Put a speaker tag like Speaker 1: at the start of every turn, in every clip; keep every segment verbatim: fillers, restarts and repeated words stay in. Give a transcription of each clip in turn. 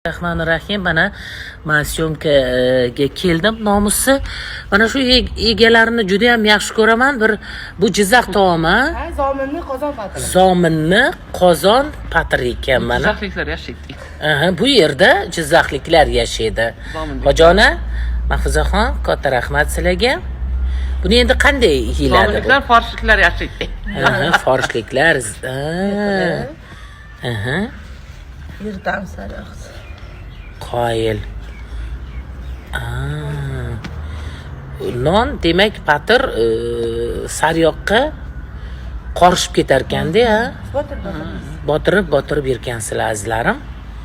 Speaker 1: Rahmanirrahim. Mana men syomkaga keldim. Nomusi mana shu egalarini juda ham yaxshi ko'raman. Bir bu Jizzax taomi.
Speaker 2: Ha, zominni qozon patri.
Speaker 1: Zominni qozon patri ekan mana.
Speaker 3: Jizzaxliklar yashaydi.
Speaker 1: Aha, bu yerda Jizzaxliklar yashaydi. Hojona, Mahfuzaxon, katta rahmat sizlarga. Buni endi qanday yeyiladi?
Speaker 3: Zominliklar, forishliklar yashaydi.
Speaker 1: Aha, forishliklar. Aha.
Speaker 2: Yirtam sariq.
Speaker 1: Qoyil. Non demak patir saryoqqa qorishib ketar ekanda, ha? Botirib botirib yurgansizlar azizlarim.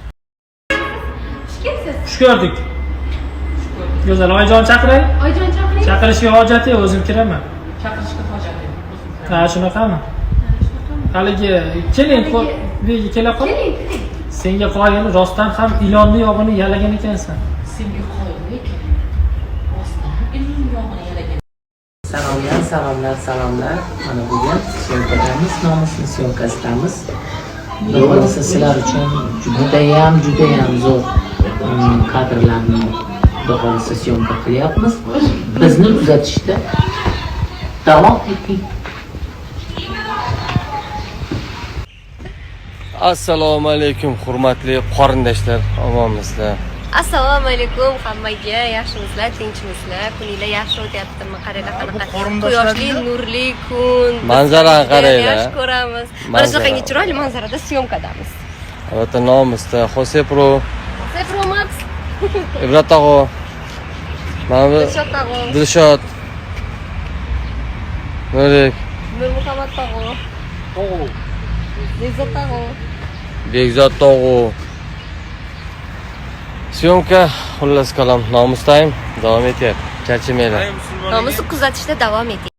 Speaker 4: Xush ko'rdik. Go'zal oyijon chaqiray.
Speaker 5: Oyijon chaqiring.
Speaker 4: Chaqirishga hojat yo'q, o'zim kiraman.
Speaker 3: Chaqirishga hojat yo'q.
Speaker 4: Ha, shunaqami? Haligi keling, buyga kela qol.
Speaker 5: Keling, keling.
Speaker 4: Senga qoyil, rostdan ham ilonni yog'ini yalagan ekansan.
Speaker 3: Senga qoyillik. Rostdan ilon yog'ini yalagan.
Speaker 1: Salomlar, salomlar, salomlar. Mana bugun syomkadamiz, nomusni syomkasidamiz. Bo'lmasa sizlar uchun judayam, judayam zo'r kadrlarni do'konda syomka qilyapmiz. Bizni kuzatishda davom eting.
Speaker 6: Assalomu alaykum hurmatli qorindoshlar, omonmisizlar?
Speaker 5: Assalomu alaykum hammaga, yaxshimisizlar, tinchmisizlar? Kuninglar yaxshi o'tyaptimi? Qaranglar qanaqa quyoshli, nurli kun.
Speaker 6: Manzarani qaranglar.
Speaker 5: Yaxshi ko'ramiz. Mana shunaqangi chiroyli manzarada syomkadamiz.
Speaker 6: Albatta nomusda Jose Pro,
Speaker 5: Zefro Max,
Speaker 6: Ibrat tog'o, mana bu
Speaker 5: Dilshod tog'o,
Speaker 6: Dilshod, Nurik,
Speaker 5: Nurmuhammad tog'o,
Speaker 4: Tog'o.
Speaker 5: Bekzod tog'o.
Speaker 6: Bekzod tog'o. Syomka xullas kalom nomusdayim, davom etyapti. Charchamanglar.
Speaker 5: Nomusni kuzatishda davom eting.